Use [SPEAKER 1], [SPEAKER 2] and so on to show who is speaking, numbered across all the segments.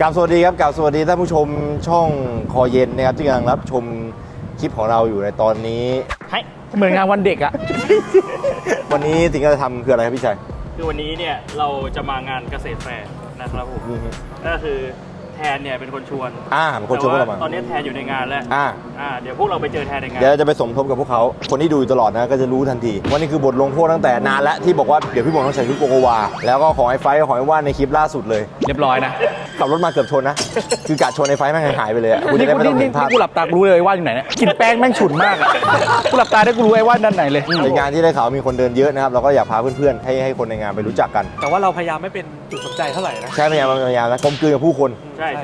[SPEAKER 1] กราบสวัสดีครับกราบสวัสดีท่านผู้ชมช่องคอเย็นนะครับที่กำลังรับชมคลิปของเราอยู่ในตอนนี้
[SPEAKER 2] เหมือนงานวันเด็กอะ
[SPEAKER 1] วันนี้สิ่งที่เราจะทำคืออะไรครับพี่ชัย
[SPEAKER 3] คือวันนี้เนี่ยเราจะมางานเกษตรแฟร์นะครับผมก็คือแทนเนี่ยเป็นคนชวน
[SPEAKER 1] เป็นคนชวนพวกเรามา
[SPEAKER 3] ตอนนี้แทนอยู่ในงานแล้วเดี๋ยวพวกเราไปเจอแทนในงาน
[SPEAKER 1] เดี๋ยวจะไปสมทบกับพวกเขาคนที่ดูอยู่ตลอดนะก็จะรู้ทันทีว่านี่คือบทลงโทษตั้งแต่นานแล้วที่บอกว่าเดี๋ยวพี่บอลต้องใส่ชุดโกโกวาแล้วก็ของไอ้ไฟของไอ้ว่านในคลิปล่าสุดเลย
[SPEAKER 2] เรียบร้อยนะ
[SPEAKER 1] ขับรถมาเกือบชนนะคือกะชนไอ้ไฟแม่งหายไปเลยกูจะได้ไม่ต้องเห็นภาพ
[SPEAKER 2] กูหลับตากูรู้เลยว่าอยู่ไหนเนี่ยกินแป้งแม่งฉุนมากอะกูหลับตาได้กูรู้ไอ้ว่าด้านไหนเลย
[SPEAKER 1] ในงานที่ได้ข่าวมีคนเดินเยอะนะครับเราก็อยากพาเพื่อนๆให้คนในงานไปรู้จักกัน
[SPEAKER 3] แต่ว่าเราพยายามไม่เป็นจุดสนใจเท่าไหร่นะ
[SPEAKER 1] ใช่พยายามนะกลมกลืนกับผู้คน
[SPEAKER 3] ใช่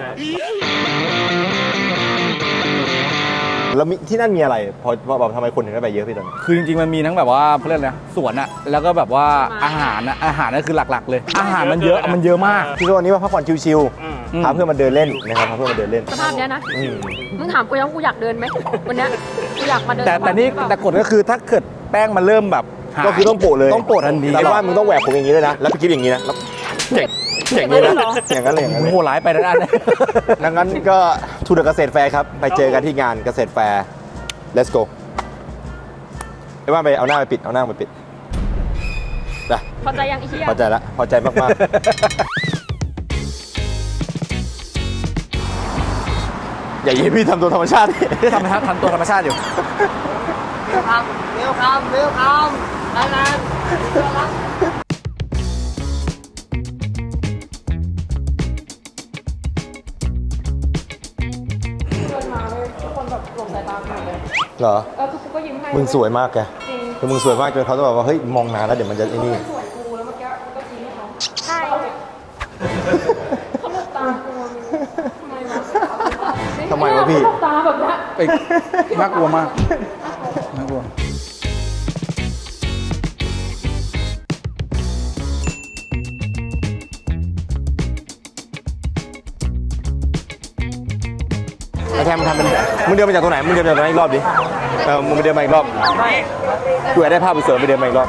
[SPEAKER 1] แล้วที่นั่นมีอะไรพอแบบทำไมคนถึงได้ไปเยอะพี่ตอนนี้
[SPEAKER 2] คือจริงๆมันมีทั้งแบบว่าเขาเรียกอะไรสวนอะแล้วก็แบบว่าอาหารนั่นคือหลักๆเลยอาหารมันเยอะมาก
[SPEAKER 1] คือวันนี้มาพักผ่อนชิลๆพาเพื่อนมาเดินเล่นนะครับพาเพื่อนมาเดินเล่น
[SPEAKER 4] สภาพเนี้ยนะมึงถามกูยังกูอยากเดินไหมวันนี้กูอยากมาเดิน
[SPEAKER 2] แต่กฎก็คือถ้าเกิดแป้งมันเริ่มแบบ
[SPEAKER 1] ก็คือต้องโปะเลย
[SPEAKER 2] ต้องโปะทันที
[SPEAKER 1] แต่ว่ามึงต้องแหวกผมอย่างนี้ด้วยนะแล้วพี่กิ๊บอย่างนี้นะอย่างนี้นะอย่างนั้นเลย
[SPEAKER 2] โหร้ายไปด้าน
[SPEAKER 1] ดังนั้นก็ทูเดอะเกษตรแฟร์ครับไปเจอกันที่งานเกษตรแฟร์ let's go ไอ้ว่าไปเอาหน้าไปปิดเอาหน้าไปปิดนะ
[SPEAKER 4] พอใจยังไอ้เหี้ย
[SPEAKER 1] พอใจละพอใจมากๆอย่ายิ้มพี่ทำตัวธรรมชาติ
[SPEAKER 2] ทำตัวธรรมชาติอยู่
[SPEAKER 4] เร็วคำนาน
[SPEAKER 1] เหรอ
[SPEAKER 4] คือก็ยิ้มให้
[SPEAKER 1] มึงสวยมากแกคือมึงสวยมากจนเขาต้องแบบว่าเฮ้ยมองนานแล้วเดี๋ยวมันจะไอ้นี่
[SPEAKER 4] สวยกูแล้วเมื่อกี้ก็ยิ้มให้เขาใช่เขาหลับตากู
[SPEAKER 1] ทำไมวะพี่
[SPEAKER 4] หลับตาแบบนี้
[SPEAKER 2] น่ากลัวมากน่ากลัว
[SPEAKER 1] แทนมึงทำเป็นมึงเดินมาจากตรงไหนมึงเดินมาจากตรงไหนอีกรอบดิมึงไปเดินมาอีกรอบกูอยากได้ภาพสวยๆไปเดินมาอีกรอบ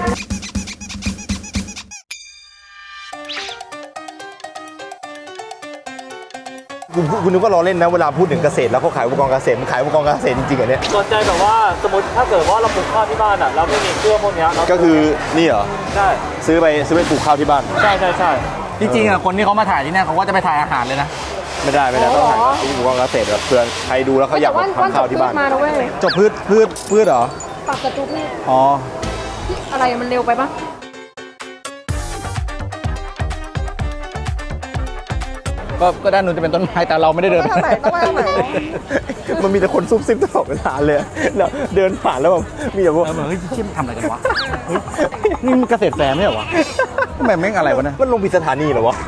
[SPEAKER 1] กูนึกว่าล้อเล่นนะเวลาพูดถึงเกษตรแล้วเขาขายอุปกรณ์เกษตรมันขายอุปกรณ์เกษตรจริงๆเหรอเนี่ย
[SPEAKER 3] สนใจแบบว่าสมมติถ้าเกิดว่าเราปลูกข้าวที่บ้านเราไม่มีเครื่องพวกนี้
[SPEAKER 1] ก็คือนี่เหรอ
[SPEAKER 3] ใช่
[SPEAKER 1] ซื้อไปปลูกข้าวที่บ้าน
[SPEAKER 3] ใช่
[SPEAKER 2] จริงๆคนที่เขามาถ่ายที่นี่เขาก็จะไปถ่ายอาหารเลยนะ
[SPEAKER 1] ไม่ได้ต้องถ่ายอุปกรณ์เกษตรแบบเพื่อนใครดูแล้วเขาอยากทำข้าวที่บ้าน
[SPEAKER 2] จบพืชเหรอ
[SPEAKER 4] ปักกระจุกนี่
[SPEAKER 2] อ๋อ
[SPEAKER 4] อะไรมันเร็วไปปะ
[SPEAKER 2] ก็ด้านนู้นจะเป็นต้นไม้แต่เราไม่ได้เดิน
[SPEAKER 4] ต้องไปทางไหน
[SPEAKER 1] มันมีแต่คนซุบซิบตลอดเวลาเลยแล้วเดินผ่านแล้วแบบมีแต่พวก
[SPEAKER 2] เฮ้ยชิมทำอะไรกันวะนี่มันเกษตรแฟร์ไม่เหรอวะทำไมแม่งอะไรวะเนี่ย
[SPEAKER 1] มันลงผิดสถานีเหรอวะ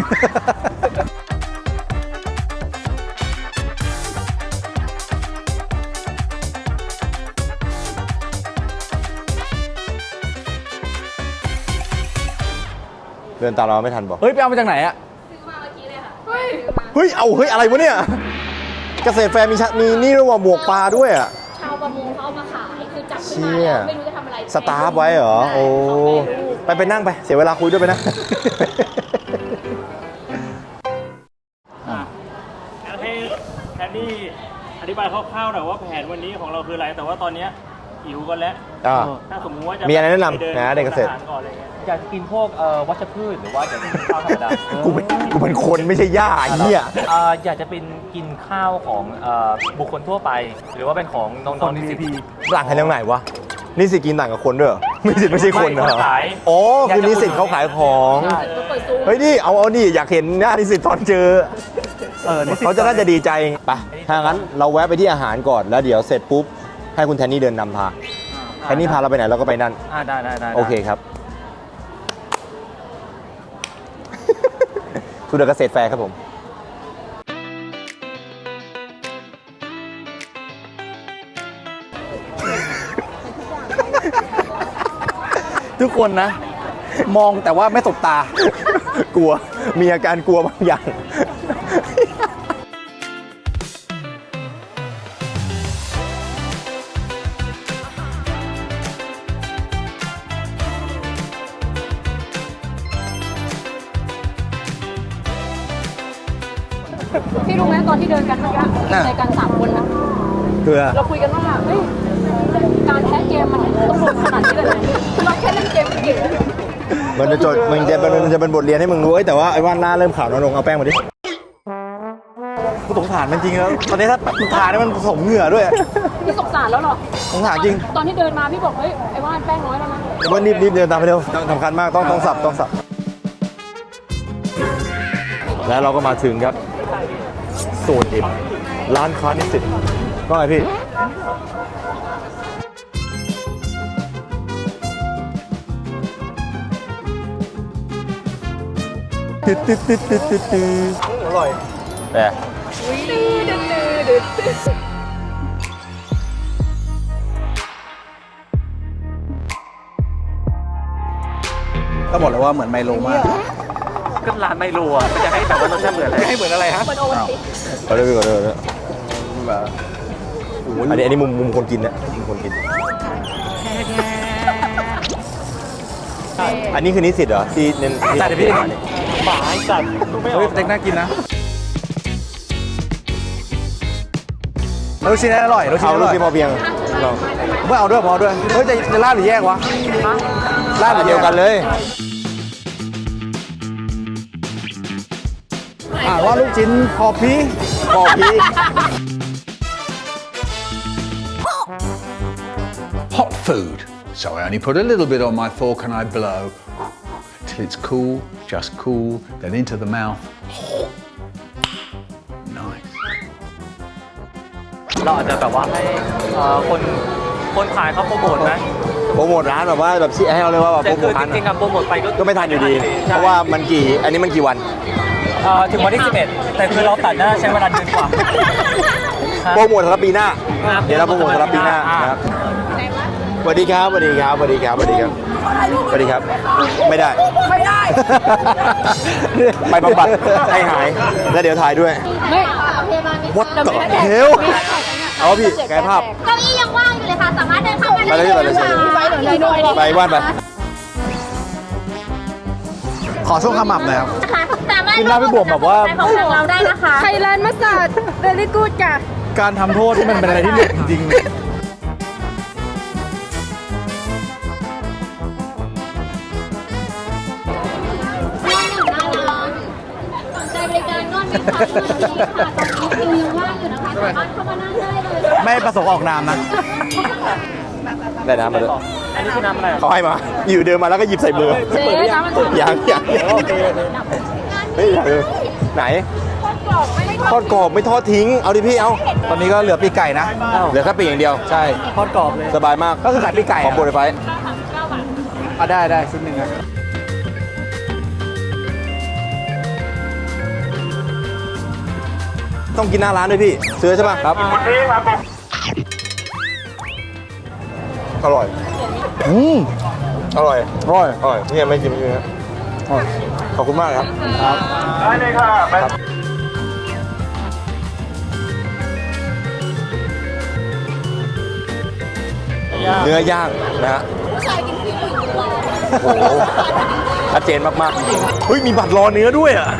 [SPEAKER 1] เดินตามเราไม่ทันบอก
[SPEAKER 2] เฮ้ยไปเอามาจากไหนอะ
[SPEAKER 4] ซื้อมาเมื่อกี้เลยค่ะ
[SPEAKER 1] เฮ้ยอะไรวะเนี่ยเกษตรแฟร์มีนี่ด้วยว่าหมวกปลาด้วยอ่ะ
[SPEAKER 4] ชาวประมงเขาเอามาขายคือจับขึ้นมาแล้วไม่รู้จะทำอะไร
[SPEAKER 1] สตาร์ฟไว้เหรอโอ้ไปนั่งไปเสียเวลาคุยด้วยไปนะ
[SPEAKER 3] ให้แทนนี่อธิบายคร่าวๆหน่อยว่าแผนวันนี้ของเราคืออะไรแต่ว่าตอนนี้หิวกันแล้วถ้าสมมติว่าจะ
[SPEAKER 1] มีอะไรแนะนำนะเด็กเกษตร
[SPEAKER 3] อยากกินพวกวัชพืชหรือว่าอยากกินข้าวธรรมดา
[SPEAKER 1] กูเป็นคนไม่ใช่ย่าเหี้ย
[SPEAKER 3] อยากจะเป็นกินข้าวของบุคคลทั่วไปหรือว่าเป็นของน้องๆนิสิต
[SPEAKER 1] ต่างกันตรงไหนวะนิสิตกินต่างกับคนด้วยเหรอนิสิตไม่ใช่คนเหรออ๋อคือนิสิตเขาขายของเฮ้ยนี่เอานี่อยากเห็นหน้านิสิตตอนเจอเขาจะน่าจะดีใจไปถ้างั้นเราแวะไปที่อาหารก่อนแล้วเดี๋ยวเสร็จปุ๊บให้คุณแทนนี่เดินนำพาแทนนี่พาเราไปไหนเราก็ไปนั่น
[SPEAKER 3] ได้
[SPEAKER 1] โอเคครับทูเดอะเกษตรแฟร์ครับผม
[SPEAKER 2] ทุกคนนะมองแต่ว่าไม่สบตา
[SPEAKER 1] กลัวมีอาการกลัวบางอย่าง
[SPEAKER 4] พี่รู้ไหมตอนที่เดินกันเมื่อกี้ในกัน3 คนนะ
[SPEAKER 1] เพื่อ
[SPEAKER 4] เราคุยกันว่าเฮ้ยการแพ้เกมมันต้องลงขนาดนี้เลยเราแค่เล่นเกมเก่ง
[SPEAKER 1] มันจะเป็นบทเรียนให้มึงรู้แต่ว่าไอ้ว่าหน้าเริ่มขาวน้อยลงเอาแป้งมาดิกูสงสารมันจริงแล้วตอนนี้ถ้ามันทาเนี่ยมันผสมเหงื่อด้วย
[SPEAKER 4] พี่สงสารแล้วเหรอ
[SPEAKER 1] สงสารจริง
[SPEAKER 4] ตอนที่เดินมาพี่บอกเฮ้ยไอ้ว่านแป้งน้อยแล้วนะ
[SPEAKER 1] ว่ารีบเดินตามไปเร็วสำคัญมากต้องสับแล้วเราก็มาถึงครับโซนอิมร้านค้านิสิตก็ไงพี่อร่อยแต่
[SPEAKER 2] ก็บอกเลยว่าเหมือนไมโลมาก
[SPEAKER 3] ก็ร้านไมโลอ่ะจะให้แบบว่ารสชาติเหมือนอะไร
[SPEAKER 2] ให้เหมือนอะไรฮะ
[SPEAKER 4] มันโอวันติ
[SPEAKER 1] ก็เลยอันนี้มุมคนกินนะมุมคนกินอันนี้คือนิสิตเหรอที่เน้น
[SPEAKER 2] จัดดิพี่
[SPEAKER 3] หมาไอ้สัตว์ดูไม่อ
[SPEAKER 2] เฮ้
[SPEAKER 3] อย ก
[SPEAKER 2] เต็กน่ากินนะลูกชิ้นอร่อยลูกชิ้
[SPEAKER 1] เอา
[SPEAKER 2] นอ
[SPEAKER 1] ลูก
[SPEAKER 2] ร่อย
[SPEAKER 1] ชิ้นพอเพียง
[SPEAKER 2] ไม่เอาด้วยพอด้วยเฮ้ยจะลาดหรือแยกวะลาดหรือ
[SPEAKER 1] เดียวกันเลย
[SPEAKER 2] ว่าลูกชิ้นพอพี
[SPEAKER 1] พอพี่
[SPEAKER 5] Hot food. So I only put a little bit on my fork and I blow till it's cool, just cool, then into the mouth. Nice.
[SPEAKER 3] เราอาจจะแบบว่าให้คนขายเขาโปรโมทนะ
[SPEAKER 1] โปรโมทร้านแบบว่าแบบชี้ให้เราเลยว่าแบบโป
[SPEAKER 3] แต่
[SPEAKER 1] รโม
[SPEAKER 3] คือ
[SPEAKER 1] ทร้าน
[SPEAKER 3] จริงๆอะโปรโมทไป
[SPEAKER 1] ก็ไม่ทันอยู่ดี เพราะว่ามันอันนี้มันกี่วัน
[SPEAKER 3] ถึงวันที่ 11 แต่คือเราตัดน่าใช้เวลาเดือนกว่า
[SPEAKER 1] โปรโมทสำหรับปีหน้า
[SPEAKER 3] ครับ
[SPEAKER 1] เดี๋ยวเราโปรโมทสำหรับปีหน้านะครับสวัสดีครับสวัสดีครับสวัสดีครับสวัสดีครับสวัสดีครับ ไม่ได้ ไปบำบัดให้หาย แล้วเดี๋ยวถ่ายด้วย
[SPEAKER 4] ไม่พยาบาลมี
[SPEAKER 1] What the hell เอาพี่กายภาพ
[SPEAKER 6] เก้าอี้ยังว่างอยู่เลยค่ะ สามารถเดินเข้ามา
[SPEAKER 1] ไปเลยไปเลย ไปว่านไป
[SPEAKER 2] ขอช่วงขมับหน่อยครับ
[SPEAKER 6] สามารถ
[SPEAKER 2] กินหน้าพี่บวมแบบว่า
[SPEAKER 6] ของทางเราได้นะคะ
[SPEAKER 4] ไทยแลนด์มาสาดเวลี่กูดจ้ะ
[SPEAKER 2] การทำโทษที่มันเป็นอะไรที่เด็ดจริง
[SPEAKER 6] สนใจบริการนวดไหมคะตอนนี้ค่ะตอนนี้คิวยังว่างอยู่นะคะ สามารถเข้ามานั่งได้เลย
[SPEAKER 2] ๆ ไม่ประสงค์ออกนามนะ
[SPEAKER 1] ได้น้ำมาด้วย
[SPEAKER 3] อันนี้คือน้ำอะไร
[SPEAKER 1] เขาให้มา อยู่เดินมาแล้วก็หยิบใส่มือ
[SPEAKER 4] เจ๊น้ำมัน
[SPEAKER 1] ยังเฮ้ยไหนทอดกรอบไม่ทอดทิ้ง เอาดิพี่เอา
[SPEAKER 2] ตอนนี้ก็เหลือปีกไก่นะ
[SPEAKER 1] เหลือแค่ปีกอย่างเดียว
[SPEAKER 2] ใช่
[SPEAKER 3] ทอดกรอบเลย
[SPEAKER 1] สบายมาก
[SPEAKER 2] ก็คือขายปีกไก่
[SPEAKER 1] ขอโปรยไฟ
[SPEAKER 2] ได้ชุดหนึ่งนะ
[SPEAKER 1] ต้องกินหน้าร้านด้วยพี่ซื้อใช่ป่ะครับอร่อย อร่อย อร่อยนี่ยังไม่กินเลยนะขอบคุณมากครับ
[SPEAKER 3] ได้เลยค่ะไป
[SPEAKER 1] เนื้อย่างนะฮะโอ้โหชัดเจนมากๆเฮ้ยมีบัตรรอเนื้อด้วยอ่ะ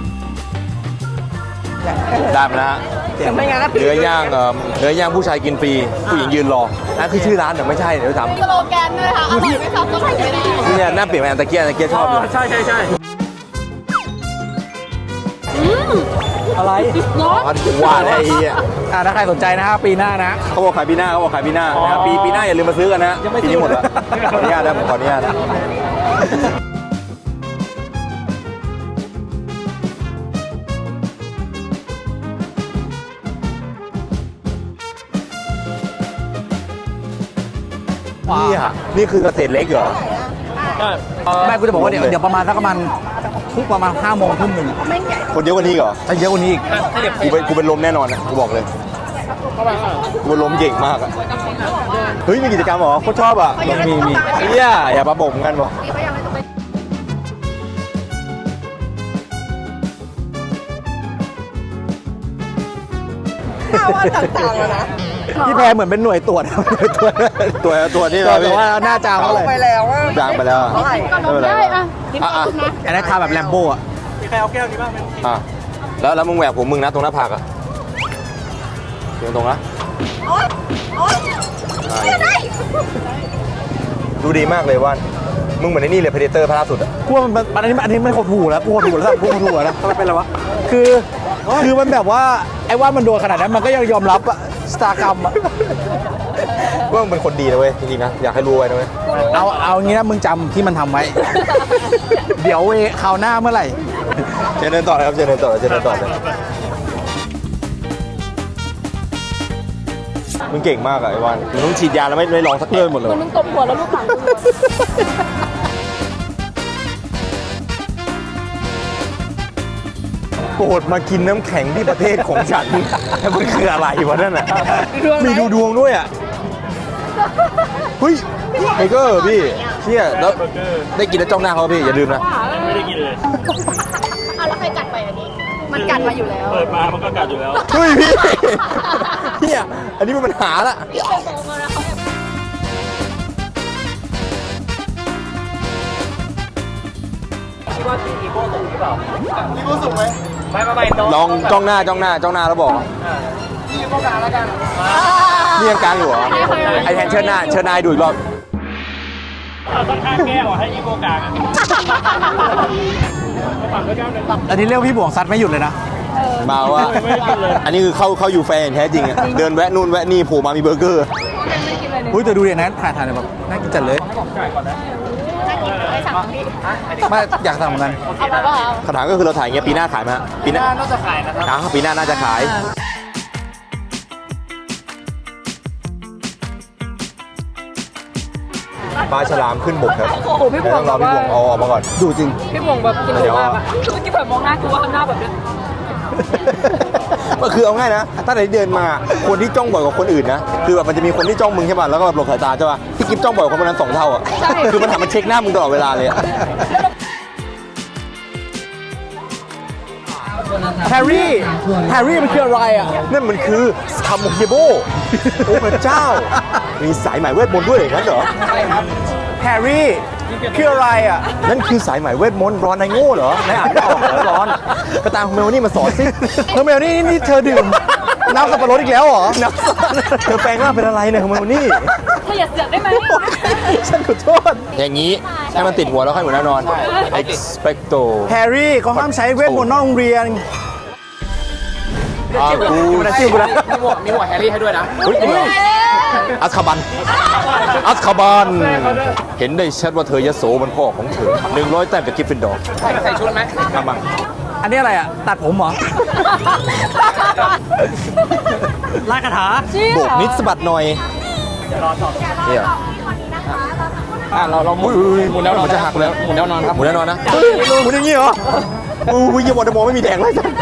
[SPEAKER 1] ได้มาแล้วฮะเนื้อย่างผู้ชายกินฟรีผู้หญิงยืนรอนั่นคือชื่อร้านแต่ไม่ใช่เดี๋ยวถาม
[SPEAKER 6] สโลแกนด้วยค่ะ อร่อยไหมคะต้องให้ไม่ได้
[SPEAKER 1] เนี่ยหน้าเปลี่ยนไปอันตะเกียชอบเลย
[SPEAKER 3] ใช่อะไร
[SPEAKER 1] ว่าได้ไอ้เหี้ย
[SPEAKER 2] ถ้าใครสนใจนะฮะปีหน้านะ
[SPEAKER 1] เขาบอกขายปีหน้านะครับปีหน้าอย่าลืมมาซื้อกันนะปีนี้หมดแล้วขออนุญาตนะผมขออนุญาตนะนี่คือเกษตรเล็กเหรอ
[SPEAKER 2] แม่กูจะบอกว่าเดี๋ยวประมาณสักประมาณทุกประมาณ5 โมงทุ่มหนึ่ง
[SPEAKER 1] คนเยอะกว่านี้เหรอ
[SPEAKER 2] ถ้าเยอะกว่านี้อีก
[SPEAKER 1] กูเป็นลมแน่นอนนะกูบอกเลยกูเป็นลมเก่งมากอะเฮ้ยมีกิจกรรมเหรอโคตรชอบอ่ะมีเฮียอย่ามาบ่มกันบอก
[SPEAKER 2] พี่แพรเหมือนเป็นหน่วยตรวจ
[SPEAKER 1] ตัวนี่
[SPEAKER 2] แต่ว่าหน้าจางเท่าไหร่
[SPEAKER 1] จางไปแล้วไม่เป็นไร
[SPEAKER 4] ได้อะ
[SPEAKER 1] อ่ะ
[SPEAKER 2] อันนั้นทาแบบแลมโบ้อะ
[SPEAKER 3] มีใครเอาแก้วนี้บ้างไหม
[SPEAKER 1] อ่ะแล้วมึงแหวกผมมึงนะตรงหน้าผากอะตรงนะดูดีมากเลยว่านมึงเหมือนไอ้นี่เลย Predator ภาคล่าสุดอะ
[SPEAKER 2] กูว่ามันอันนี้มันหดหูแล้วกูหดหูแล้วกูหดหูแล้วทำไมเป็นไรวะคือมันแบบว่าไอ้ว่ามันโดนขนาดนั้นมันก็ยังยอมรับอะสตากรรมอะ
[SPEAKER 1] ว่ามึงเป็นคนดีนะเว้ยจริงๆนะอยากให้รู้ไว้นะเว้ย
[SPEAKER 2] เอางี้นะมึงจำที่มันทำไว้ เดี๋ยวคราวหน้าเมื่อไหร่
[SPEAKER 1] เชิญเดินต่อเลยครับเชิญเดินต่อเลยมึงเก่งมากอะไอ้วานมึงต้องฉีดยาแล้วไม่ลองสักเรื่องหมดเลย
[SPEAKER 4] มันมึงตบหัวแล้วลูกหลังกูอะ
[SPEAKER 1] โปรดมากินน้ำแข็งที่ประเทศของฉัน มันคืออะไรวะนั่นอ่ะ มีดูดวงด้วยอ่ะเฮ้ยเบเกอร์พี่เชี่ยแล้วได้กินแล้วจ้องหน้าเขาพี่อย่าลืมนะ
[SPEAKER 3] ยังไม่ได้กินเลย
[SPEAKER 6] เอาแล้วใครกัดไปอันนี้
[SPEAKER 4] มันกัดมาอยู่แล้ว
[SPEAKER 3] เปิดมามันก็กัดอยู่แล้ว
[SPEAKER 1] เฮ้ยพี่เนี่ยอันนี้มันปัญหาละ
[SPEAKER 6] พี่ไปโตมาแล้วเขาแอบ
[SPEAKER 3] คิดว่าพี่อีโก้สูงหรือเปล่าอีโก้สูงไหมไม่น้อง
[SPEAKER 1] ลองจ้องหน้าแล้วบอก
[SPEAKER 3] อีโก้กลางแล้วกัน
[SPEAKER 1] นี่ยังกลางอยู่เหรอไอแทนเชิญหน้าให้ดูอีกรอบ
[SPEAKER 3] เอาต้องข้างแก้วอ่ะให้อีโก้กลางอ่ะฝั่งด้วยกันเลย
[SPEAKER 2] อันนี้เรียกพี่บ่วงซัดไม่หยุดเลยนะ
[SPEAKER 1] มาว่า
[SPEAKER 3] ไม่ได้กินเลย
[SPEAKER 1] อันนี้คือเข้าอยู่แฟนอย่างแท้จริงอะเดินแวะนู่นแวะนี่โผล่มามีเบอร์เกอร์
[SPEAKER 4] ไม่กินอะไรเลย
[SPEAKER 2] อุ้ยแต่ดูดินะถ่ายเลยแบบน่ากินจัดเลย
[SPEAKER 6] ไปสั่งพี่
[SPEAKER 2] ไม่อยากสั่งเหมือนกัน
[SPEAKER 6] เอามาเปล่า
[SPEAKER 1] คำถามก็คือเราถ่ายเงี้ยปีหน้าขายไหมฮะปีหน้า
[SPEAKER 3] น่าจะขายนะครับ
[SPEAKER 1] ปีหน้าน่าจะขายปลาฉลามขึ้นบกครับ
[SPEAKER 4] โอ้โหพี่บว
[SPEAKER 1] ต้อง งร
[SPEAKER 4] แบ
[SPEAKER 1] อบ พี่
[SPEAKER 4] ว่า
[SPEAKER 1] บวงเอาออกมาก่อน
[SPEAKER 2] ดูจริง
[SPEAKER 4] พี่บวงแบบกินหนูมากอะคือกินแบบมองหน้ากูว่าข้างหน้าแบบเนี้ย
[SPEAKER 1] ก็คือเอาง่ายนะ ถ้าไหนเดินมา คนที่จ้องบ่อยกว่าคนอื่นนะ คือแบบมันจะมีคนที่จ้องมึงใช่ป่ะ แล้วก็แบบหลบสายตาใช่ป่ะพี่กิ๊ฟจ้องบ่อยกว่าคนคนนั้น2 เท่าอ่ะ คือมันทำมันเช็คหน้ามึงตลอดเวลาเลยอะ
[SPEAKER 2] แฮร์รี่มันคืออะไรอ่ะ
[SPEAKER 1] นั่นมันคือคาโมเฮโบโอ้พระเจ้า มีสายไหมเวทมนต์ด้วยอย่างนั้นเหรอ
[SPEAKER 2] แฮร์รี่คืออะไรอ่ะ
[SPEAKER 1] นั่นคือสายไหมเวทมนต์ร้อนในโง่เหรอนายอ่านไม่ออกเหรอร้อนไปตามเมลนี่มาสอนสิ
[SPEAKER 2] เฮอร์เมลนี่เธอดื่มน้ำสับปะรดอีกแล้วเหรอ
[SPEAKER 1] นักสอนเธอแปลงร่างเป็นอะไรเนี่ยเมลนี่
[SPEAKER 4] เธออย่าเสือกได้ไหม
[SPEAKER 1] ฉันขอโทษ อย่างนี้ให้มันติดหัวแล้วค่อยหัวหน้านอน expecto
[SPEAKER 2] แฮร์รี่เขาห้ามใช้เวทมนต์นอกโรงเรียน
[SPEAKER 1] กูนะชื่อกูนะ
[SPEAKER 3] มีหัวแฮร์รี่ให้ด้วยนะ
[SPEAKER 1] เฮ้ยอัสคาบัน เห็นได้ชัดว่าเธอยโสมันพ่อของเธอ100 แต้มจากกริฟฟินดอร์
[SPEAKER 3] ใส่ชุดไหม
[SPEAKER 1] ทำบัง
[SPEAKER 2] อันนี้อะไรอ่ะ ตัดผมเหรอ ลากกระถา
[SPEAKER 1] โบกนิดสะบัดหน่อยเนี่ย
[SPEAKER 3] เราหมุนแล้วนอน
[SPEAKER 1] มันจะหักแล้ว
[SPEAKER 3] หมุนแล้วนอนครับ
[SPEAKER 1] หมุนแน่นอนนะหมุนอย่างนี้เหรออุ้ยอย่าบอกจะมองไม่มีแดงเลยจ้ะ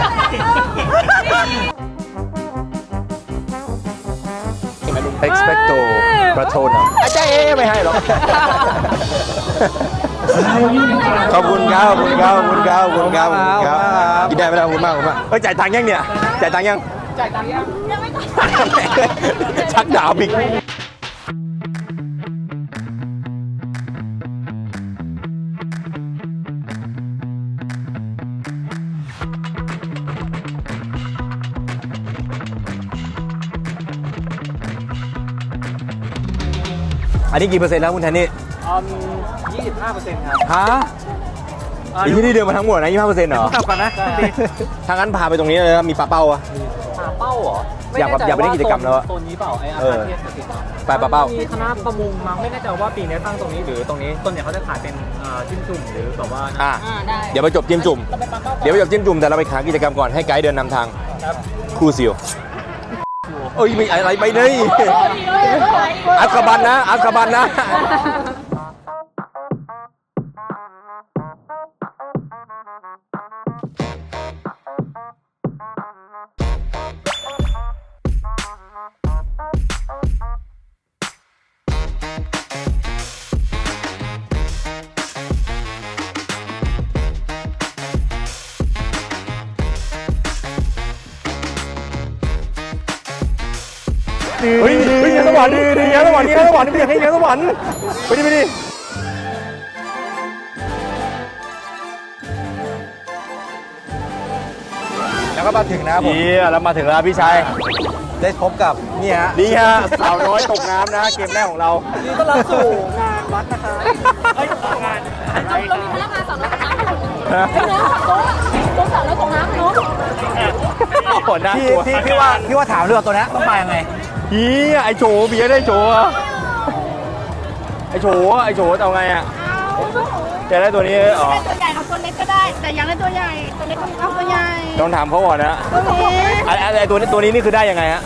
[SPEAKER 1] expecto patronum อาจารย์ไม่ให้หรอก ขอบคุณครับกินได้ไหมล่ะขอบคุณมากเฮ้ยจ่ายตังค์ยังเนี่ยจ่ายตังค์ยังชักดาบอีกอันนี้กี่เปอร์เซ็นต์แล้วคุณแทนนี่
[SPEAKER 3] 25%ครับ
[SPEAKER 1] ฮะอีกที่เดินมาทั้งหมดนะ25%เหรอ
[SPEAKER 2] กลับก่อนนะ
[SPEAKER 1] ถ้างั้นพาไปตรงนี้เลยนะมีปลาเป้าอะ
[SPEAKER 3] เป้าเหรอ
[SPEAKER 1] อยากไปเล่นกิจกรรมแล้วอะ
[SPEAKER 3] โซนนี้เปล่าไอ้อา
[SPEAKER 1] เออ
[SPEAKER 3] คาเทียสติด
[SPEAKER 1] ไปปลาเป้า
[SPEAKER 3] มีคณะประมงมั้งไม่แน่ใจว่าปีนี้ตั้งตรงนี้หรือตรงนี้ต้นเนี่ยเขาจะขายเป็นจิ้มจุ่มหรือแบบว่า
[SPEAKER 1] อ่ะ
[SPEAKER 4] ได้
[SPEAKER 1] เดี๋ยวไปจบจิ้มจุ่มแต่เราไปหากิจกรรมก่อนให้ไกด์เดินนำทางครูซิลเอ้ยไม่อะไรไปเลยอัสคาบันนะ เฮ้ยเงี้ยสวรรค์เงี้ยสวรรค์ไปดิไปดิ
[SPEAKER 2] ก็มาถึงนะครับผม
[SPEAKER 1] เฮียแล้วมาถึงแล้วพี่ชัย
[SPEAKER 2] ได้พบกับนี่ฮะ
[SPEAKER 1] นี่ฮะสาวน้อยตกน้ำนะเกมแรกของเรา
[SPEAKER 2] นี่ต้อนรับสู่งานวัดนะคะ
[SPEAKER 4] เรามีพนักงานสาวน้อยตกน้ำคนหนึ่งเป็นน้องขับโต๊ะสาวน้อยตกน้ำเนาะ
[SPEAKER 1] โหน่ากลัว
[SPEAKER 2] พี่ว่าถามเรื่องตัวนี้ต้องมายังไง
[SPEAKER 1] เฮียไอโฉเบียร์ได้โฉอะไอโฉจะเอาไงอ่ะจะได้ตัวนี้อ๋อ
[SPEAKER 6] ตัวใหญ่เอาตัวเล็กก็ได้ แต่ยังได้ตัวใหญ่ ตัวเล็กก็เอาตัวใหญ่
[SPEAKER 1] ต้องถามเขาก่อนนะ
[SPEAKER 6] ตัวนี้
[SPEAKER 1] ไอตัวนี้นี่คือได้ยังไงฮะ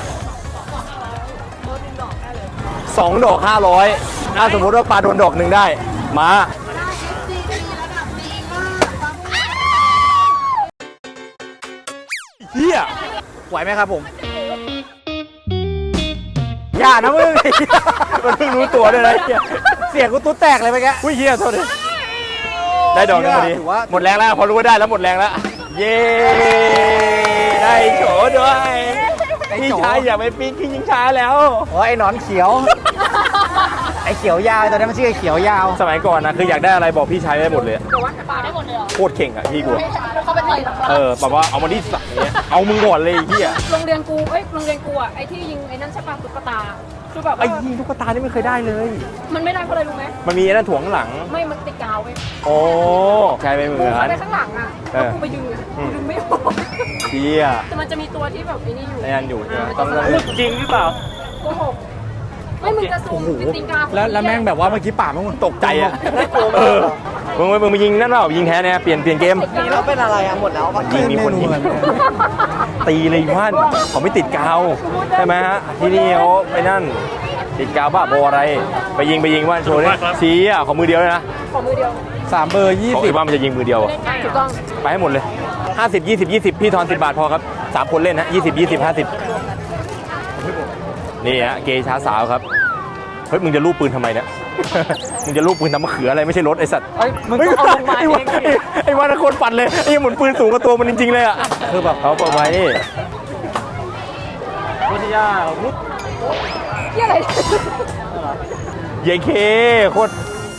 [SPEAKER 1] 2 ดอก 500ถ้าสมมติว่าปลาโดนดอกหนึ่งได้มาเฮีย
[SPEAKER 2] ไหวไหมครับผม
[SPEAKER 1] อย่านะมึง มันเพิ่งรู้ตัวด้วยนะเฮีย
[SPEAKER 2] เสียงกูตุ๊ดแตกเลยไปแก
[SPEAKER 1] อุ้ยเฮียโทษดิได้ดอกหนึงพอดี
[SPEAKER 2] ถือว่า
[SPEAKER 1] หมดแรงแล้วพอรู้ว่าได้แล้วหมดแรงแล้วเย้ได้โฉด้วยพี่ชายอย่าไปปีนขึ้นยิงช้าแล้ว
[SPEAKER 2] อ๋อไอ้หนอนเขียว ไอ้เขียวยาวตอนนี้มันชื่อไอ้เขียวยาว
[SPEAKER 1] สมัยก่อนนะคืออยากได้อะไรบอกพี่ชายได้หมดเลย
[SPEAKER 4] แต่ว่าปลาได้หมดเลยเหรอ
[SPEAKER 1] โคตรเข่งอ่ะพี่กู
[SPEAKER 4] เขาเป็นอะไรหรอ
[SPEAKER 1] แบบว่าเอามาที่สักเนี้ยเอามึงก่อนเลยไอ้เฮีย
[SPEAKER 4] โรงเรียนกูอ่ะไอ้ที่ยิงไอ้นั่นใช่ป่ะตุ๊กตาคือแบบ
[SPEAKER 1] ไอ้ยิงตุ๊กตานี่ไม่เคยได้เลย
[SPEAKER 4] มันไม่ได้เพราะอะไรรู้ไหม
[SPEAKER 1] มันมีไอ้นั่นถ่วงข้างหลัง
[SPEAKER 4] ไม่มันติดกาวเว้ย
[SPEAKER 1] โอ้ใช่ไปเหมื
[SPEAKER 4] กู
[SPEAKER 1] อน
[SPEAKER 4] เข้าไปข้างหลังอ่ะแล้วกูไปดึงไม่ออก
[SPEAKER 1] เฮีย
[SPEAKER 4] แต่มันจะมีตัวที่แบบไอ้นี่อยู่
[SPEAKER 1] ไอ้นั่นอยู่ใช่ไหมต้อง
[SPEAKER 3] จริงหรือเปล่า
[SPEAKER 4] โกหกไม่มึงจะซูมติงกา
[SPEAKER 2] แล้วแม่งแบบว่าเมื่อกี้ป่ามัน
[SPEAKER 1] ตกใจอ่ะมึงมายิงนั่นเปล่ายิงแท้เนี่ยเปลี่ยนเกม
[SPEAKER 2] แล้วเป็นอะไรอ่ะหมดแล้ว
[SPEAKER 1] ยิงมีคนยิง ตีเลยว่านเขาไม่ติดกาวใช่ไหมฮะที่นี่เขาไปนั่นติดกาวบ้าบออะไรไปยิงว่านโชว์เนี่ยชี้อ่ะของมือเดียวเลยนะ
[SPEAKER 4] ของมือเดียว
[SPEAKER 2] 3 เบอร์
[SPEAKER 1] ของอีกว่ามันจะยิงมือเดียวอะ
[SPEAKER 4] ถูกต้อง
[SPEAKER 1] ไปให้หมดเลย50 20 20พี่ทอน10 บาทพอครับ3 คนเล่นนะ20 20 50นี่ฮะเกย์ช้าสาวครับเฮ้ยมึงจะลูบปืนทำไมเนี่ย มึงจะลูบปืนทำมะเขืออะไรไม่ใช่รถไอ้สัตว์
[SPEAKER 2] มึงต้องเอาลงมาเอง
[SPEAKER 1] ไอ้วันคนปั่นเลยไอ้หมุนปืนสูงกว่าตัวมันจริงๆเลยอ่ะคือแบบเขาบอกไว้นี่
[SPEAKER 3] พุทธิยา
[SPEAKER 4] ที่อะไร
[SPEAKER 1] เยเคโคตร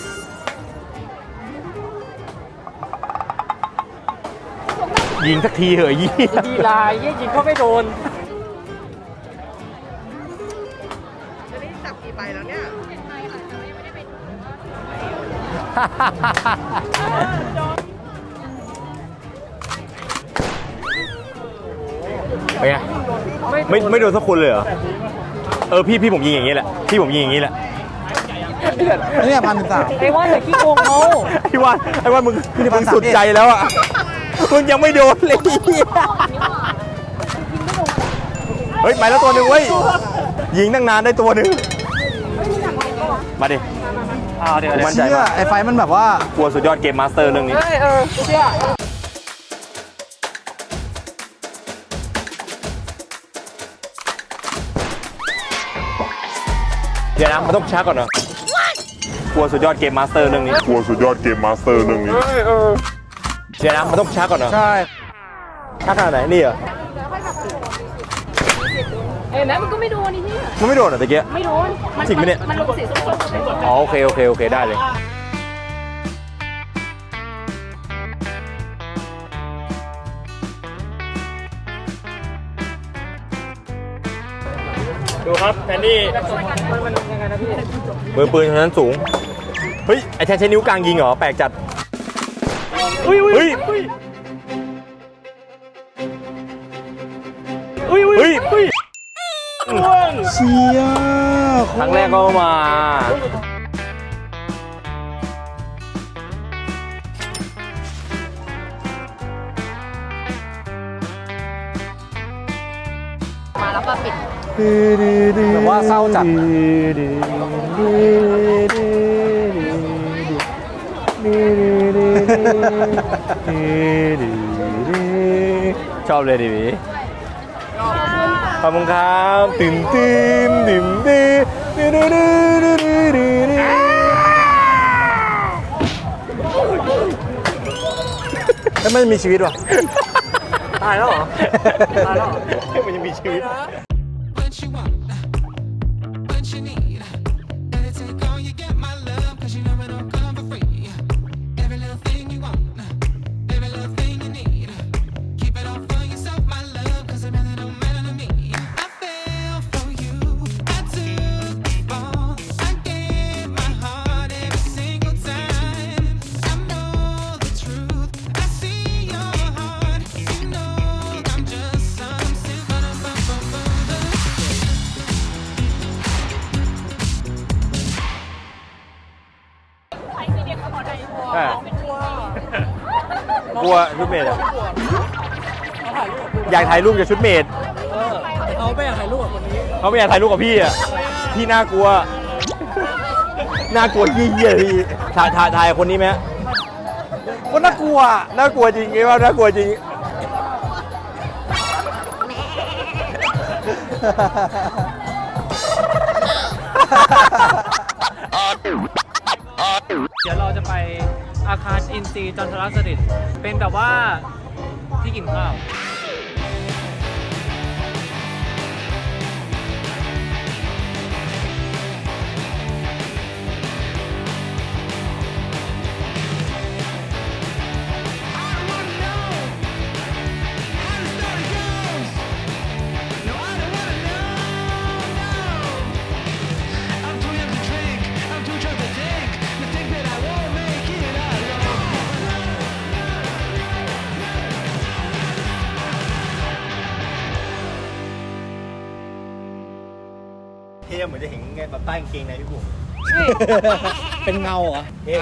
[SPEAKER 1] ยิงสักทีเหอะยี่
[SPEAKER 3] ดีลายยิงเขาไม่โดน
[SPEAKER 1] ไปไงไม่โดนสักคนเลยเหรอพี่ผมยิงอย่างนี้แหละพี่ผมยิงอย่างนี้แหละ
[SPEAKER 2] เนี่ย1,003
[SPEAKER 3] ไอ้ว่าแต่ขี้โกงเขา
[SPEAKER 1] ไอ้วันมึงสุดใจแล้วอ่ะมึงยังไม่โดนเลยเฮ้ยไปแล้วตัวหนึ่งเว้ยยิงตั้งนานได้ตัวหนึ่งมาดิ
[SPEAKER 3] เดี๋ยว
[SPEAKER 1] กูมั่นใจ
[SPEAKER 2] เชื่อ
[SPEAKER 1] มาก
[SPEAKER 2] ไอ้ไฟมันแบบว่า
[SPEAKER 1] กลัวสุดยอดเกมมาสเตอร์เรื่องนี้เดี๋ยวนะมันต้องช้าก่อนเหรอกลัวสุดยอดเกมมาสเตอร์เรื่องนี้
[SPEAKER 7] กลัวสุดยอดเกมมาสเตอร์เรื่องนี้
[SPEAKER 1] เดี๋ยวนะมันต้องช้าก่อนเหรอ
[SPEAKER 2] ใช่
[SPEAKER 1] ช้าขนาดไหนนี่เหรอ
[SPEAKER 4] เห็นไหมมันก็ไม่โดนนี่ที่
[SPEAKER 1] มันไม่โดนเหรอตะเกีย
[SPEAKER 4] ไม่โดน
[SPEAKER 1] จริงไหมเนี่ย
[SPEAKER 4] มันลงสีส้มๆ
[SPEAKER 1] อ๋อโอเคได้เลย
[SPEAKER 3] ดูครับแทนนี่
[SPEAKER 1] มือปืนคนนั้นสูงเฮ้ยไอ้แทนใช้นิ้วกลางยิงเหรอแปลกจัดเฮ้ยเ
[SPEAKER 2] เชีย
[SPEAKER 1] ครั้งแรกก็มา
[SPEAKER 4] แล้วก็ปิด
[SPEAKER 2] แบบว่าเศร้าจัด
[SPEAKER 1] ชอบเลยดิพี่ขอบคุณครับตื่น
[SPEAKER 2] แล้วมันมีชีวิตวะ
[SPEAKER 3] ตายแล้วเหรอ
[SPEAKER 1] มันยังมีชีวิต
[SPEAKER 8] What you want, what you need. Gotta take all you get, my love, 'cause you know it don't come for free. Every little thing you want, every little thing you need. Keep it all for yourself, my love.
[SPEAKER 1] กลัวชุดเมดอะอยากถ่ายรูปกับชุดเมด
[SPEAKER 2] เขาไม่อยากถ่ายรูปกับคนนี้
[SPEAKER 1] เขาไม่อยากถ่ายรูปกับพี่อะพี่น่ากลัวน่ากลัวเยี่ยๆพี่ถ่ายคนนี้ไหม
[SPEAKER 2] คนน่ากลัว
[SPEAKER 1] น่ากลัวจริงไงว่าน่ากลัวจริง
[SPEAKER 9] เดี๋ยวเราจะไปอาคารอินทรีย์จันทรสฤษดิ์เป็นแบบว่าที่กินข้าว
[SPEAKER 1] เท่เหมือนจะเห็นไงแบบใต้กางเกงในพี่บุ๋ม
[SPEAKER 2] เป็นเงาเหรอ
[SPEAKER 1] เท่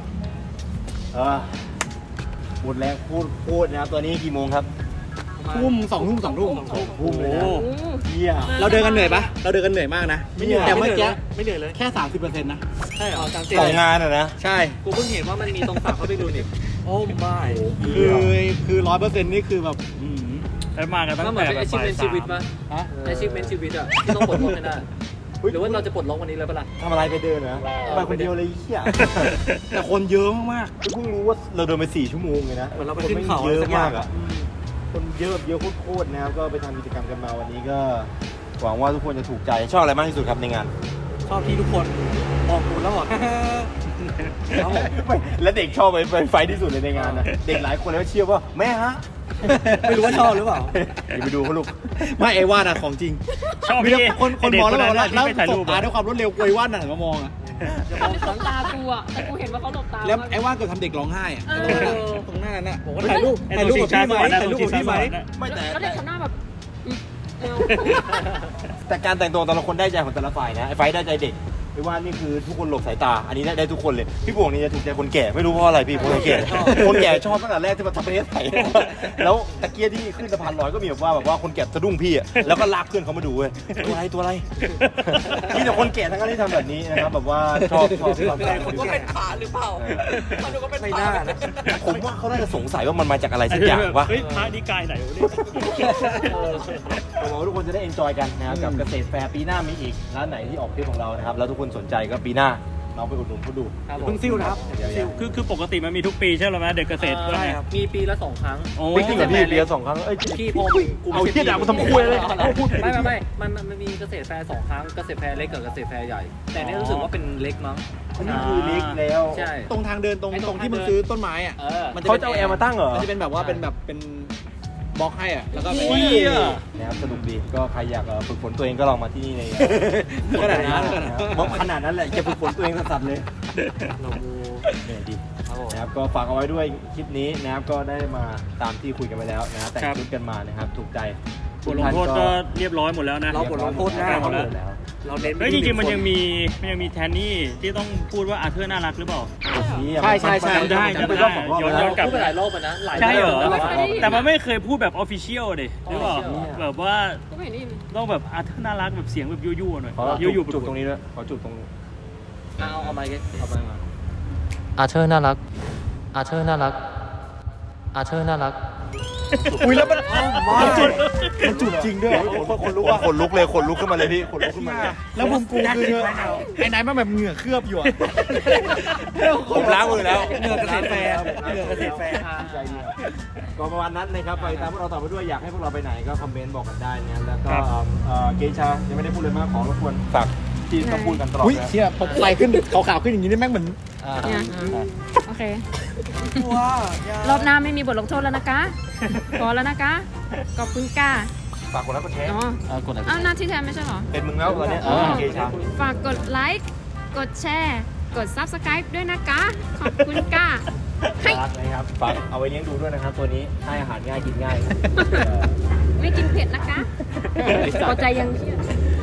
[SPEAKER 1] หมดแรงพูดนะครับตัวนี้กี่โมงครับ
[SPEAKER 2] ทุ่ม2 ทุ่ม
[SPEAKER 1] ทุ่มเลยนะเยี่ย
[SPEAKER 2] เราเดินกันเหนื่อยปะเราเดินกันเหนื่อยมากนะ
[SPEAKER 1] ไม่เหนื่อย
[SPEAKER 2] แต่เมื่อกี้
[SPEAKER 9] ไม่เหนื่อยเลย
[SPEAKER 2] แค่ 30%นะ
[SPEAKER 9] ใช่เหรอจำ
[SPEAKER 1] สองงานอะนะ
[SPEAKER 2] ใช่
[SPEAKER 9] กูเพิ่งเห็นว่ามันมีตรงฝากเขาไปดูนี่โอ้ไม่
[SPEAKER 2] คือ100%นี่คือแบบ
[SPEAKER 3] แล้วมากันตั้ง
[SPEAKER 9] มันเหมือ
[SPEAKER 3] แต่
[SPEAKER 9] นเป็น
[SPEAKER 3] แบบ
[SPEAKER 9] achievement ชีวิตป่ะ achievement ชีวิตอ่ะที่ต้องปลดล็อกให้ได้หรือว่าเราจะปลดล็อกวันนี้เลยปะล่ะ
[SPEAKER 1] ทำอะไรไปเดินนะไปคนเดียวเลยเหี้ย
[SPEAKER 2] แต่คนเยอะมาก
[SPEAKER 1] เพิ่งรู้ว่าเราเดินไป4 ชั่วโมงเลยนะ
[SPEAKER 9] เหมือนเราไปขึ้นเขา
[SPEAKER 1] เยอะ
[SPEAKER 9] สักอย่าง
[SPEAKER 1] มากอะคนเยอะแบบเยอะโคตรๆนะครับก็ไปทำกิจกรรมกันมาวันนี้ก็หวังว่าทุกคนจะถูกใจชอบอะไรมากที่สุดครับในงาน
[SPEAKER 9] ชอบที่ทุกคนมองกูแล้วบอก
[SPEAKER 1] ไม่และเด็กชอบไปไฟที่สุดเลยในงานนะเด็กหลายคนแล้วเชื่อว่าแม่ฮะ
[SPEAKER 2] ไม่รู้ว่าชอบหรือเปล่า
[SPEAKER 1] เดี๋ยวไปดูเขาลูก
[SPEAKER 2] ไม่ไอ้ว่านอะของจริง
[SPEAKER 3] ชอบ
[SPEAKER 2] มี
[SPEAKER 3] พี่
[SPEAKER 2] คนมองแล้วแบบว่า
[SPEAKER 3] ที่
[SPEAKER 2] แล้ว
[SPEAKER 3] ไปถ่าย
[SPEAKER 2] ส
[SPEAKER 3] รู
[SPEAKER 2] บ
[SPEAKER 3] ป
[SPEAKER 2] ตาด้วยความรวดเร็วไอ้ว่านหันมามองอะ
[SPEAKER 4] เขาหลบตากูอะแต่กูเห็นว่าเขาหลบตา
[SPEAKER 2] แล้วไอ้ว่านเกิดทำเด็กร้องไห้อะตรงหน้านั้นน่ะ
[SPEAKER 9] ผมก็
[SPEAKER 2] ถ่ายรูปกับพี่ไหมถ่ายรูปกับพี่ไหม
[SPEAKER 1] ไม่แต่
[SPEAKER 4] แล้วเด็กทำหน้าแบบเร็ว
[SPEAKER 1] แต่การแต่งตัวแต่ละคนได้ใจของแต่ละฝ่ายนะไอ้ไฟได้ใจเด็กไอ้ว่านี่คือทุกคนหลบสายตาอันนี้ได้ทุกคนเลยพี่บวงนี่จะถูกใจคนแก่ไม่รู้เพราะอะไรพี่คนแก่คนแก่ชอบตั้งแต่แรกที่มาทำประเทศไทยแล้วตะเกียที่ขึ้นสะพานลอยก็มีแบบว่าคนแก่สะดุ้งพี่อ่ะแล้วก็ลากเพื่อนเขามาดูเว้ยตัวอะไรมีแต่คนแก่ทั้งนั้นที่ทำแบบนี้นะครับแบบว่าชอบก็เป็นขาหรือเปล่ามันก็เป็นขานะผมว่าเขาน่าจะสงสัยว่ามันมาจากอะไรสักอย่างวะ
[SPEAKER 3] เฮ้ยพระนิกายไหนวะเนี่ย
[SPEAKER 1] ผมว่าทุกคนจะได้เอนจอยกันนะครับกับเกษตรแฟร์ปีหน้ามีอีกร้านไหนที่ออกทริปของเรานะครับแล้วทุกคนสนใจก็ปีหน้าเราไปอุดหนุนเขาดู
[SPEAKER 2] เพิ่งซิ่วนะครับ
[SPEAKER 1] เดี๋ยว
[SPEAKER 3] คือปกติมันมีทุกปีใช่ไหมเด็กเกษตร
[SPEAKER 9] ใช่ครับมีปีละ2 ครั้ง
[SPEAKER 3] โอ้
[SPEAKER 1] จริงเหรอพี่เรียน2 ครั้งเอ้ย
[SPEAKER 9] พี่พอกู
[SPEAKER 1] เอาเหี้ยด่ากูทำคุยเลย
[SPEAKER 9] ไม่มันมีเกษตรแฟร์2 ครั้งเกษตรแฟร์เล็กกับเกษตรแฟร์ใหญ่แต่นี่รู้สึกว่าเป็นเล็กมั้ง
[SPEAKER 1] อันนี้คือเล็กแล้ว
[SPEAKER 9] ใช่
[SPEAKER 2] ตรงทางเดินตรงที่มึงซื้อต้นไม้อ่ะ
[SPEAKER 1] เขาจะเอาแอร์มาตั้งเหรอ
[SPEAKER 2] มันจะเป็นแบบว่าเป็นบล็อกให้อ่ะแล้วก็
[SPEAKER 1] นะครับสนุกดีก็ใครอยากฝึกฝนตัวเองก็ลองมาที่นี่เลย
[SPEAKER 2] ขนาดนั้น
[SPEAKER 1] ขนาดนั้นแหละจะฝึกฝนตัวเองสัสๆเลยเนี่ยดีนะครับก็ฝากเอาไว้ด้วยคลิปนี้นะครับก็ได้มาตามที่คุยกันไปแล้วนะแต่งชุดกันมานะครับถูกใจ
[SPEAKER 3] บทลงโทษก็เรียบร้อยหมดแล้วนะ
[SPEAKER 9] เราบทลงโทษหน้า
[SPEAKER 3] หมดแล้ว
[SPEAKER 9] เราเน้น
[SPEAKER 3] เฮ้ยจริงๆมันยังมีแทนนี่ที่ต้องพูดว่าอาเธอร์น่ารักหรือเปล่า
[SPEAKER 2] ใช่
[SPEAKER 3] จำได้ ย้อนกลับ
[SPEAKER 9] พูดไปหลายรอบนะหลาย
[SPEAKER 3] ใช่เหรอ
[SPEAKER 9] แล้ว
[SPEAKER 3] แต่มันไม่เคยพูดแบบออฟฟิเชียลดิหรือเปล่า
[SPEAKER 9] Official
[SPEAKER 3] แบบว่า
[SPEAKER 4] ก็ไม่เห็นได้ยิน
[SPEAKER 3] ต้องแบบอาเธอร์น่ารักแบบเสียงแบบยั่วๆหน่อย
[SPEAKER 1] ขอ
[SPEAKER 3] ยั่วๆ
[SPEAKER 1] จุดตรงนี้ด้วยขอจุดตรง
[SPEAKER 9] เอาไปกันเอาไปมา
[SPEAKER 10] อาเธอร์น่ารัก อาเธอร์น่ารัก อาเธอร์น่ารัก
[SPEAKER 2] อุ้ยแล้วมัน
[SPEAKER 1] มันจุดจริงด้วยคนลุกว่าคนลุกเลยคนลุกขึ้นมาเลยพี่คนลุกขึ้นมา
[SPEAKER 2] แล้วมุมกูคือไอ้นายมันแบบเหงื่อเคลือบอยู่อ่ะ
[SPEAKER 1] ผมล้างมือแล้ว
[SPEAKER 2] เหงื่อเกษตรแฟร์เหงื่อเกษตรแฟร์
[SPEAKER 1] ใจดีก็ประมาณนั้นนะครับไปตามพวกเราต่อไปด้วยอยากให้พวกเราไปไหนก็คอมเมนต์บอกกันได้นะแล้วก็เกชายังไม่ได้พูดเลยมากขอรบกวนฝากที่ต้องพูดกันตลอด
[SPEAKER 2] อุ้ย
[SPEAKER 1] นะ
[SPEAKER 2] เชี่ยผมไฟขึ้นขาวๆขึ้นอย่างนี้นี่แม่งเหมือน
[SPEAKER 4] เนี่ยโอเค รอบหน้าไม่มีบทลงโทษแล้วนะคะพอแล้วนะคะขอบคุณก้า
[SPEAKER 1] ฝากคนรักคนแชร์
[SPEAKER 4] อ๋ออ้าวหน้าที่แทนไม่ใช่เหรอ
[SPEAKER 1] เป็นมึงแล้วตอนเนี้ยเกชา
[SPEAKER 4] ฝากกดไลค์ กดแชร์ กด Subscribe ด้วยนะคะ ขอบคุณก้าให้
[SPEAKER 1] ฝากนะครับฝากเอาไว้เลี้ยงดูด้วยนะครับตัวนี้ให้อาหารง่ายกินง่าย
[SPEAKER 4] ไม่กินเผ็ดนะคะพอใจยัง
[SPEAKER 1] โอเค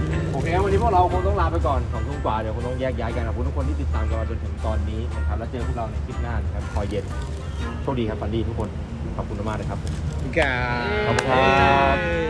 [SPEAKER 2] งั้นวันนี้พวกเราคงต้องลาไปก่อน2 ทุ่มกว่าเดี๋ยวคงต้องแยกย้ายกันขอบคุณทุกคนที่ติดตามกันมาจนถึงตอนนี้นะครับแล้วเจอพวกเราในคลิปหน้านะครับพอเย็นโชคดีครับฝันดีทุกคนขอบคุณมากๆนะครับขอบคุณครับ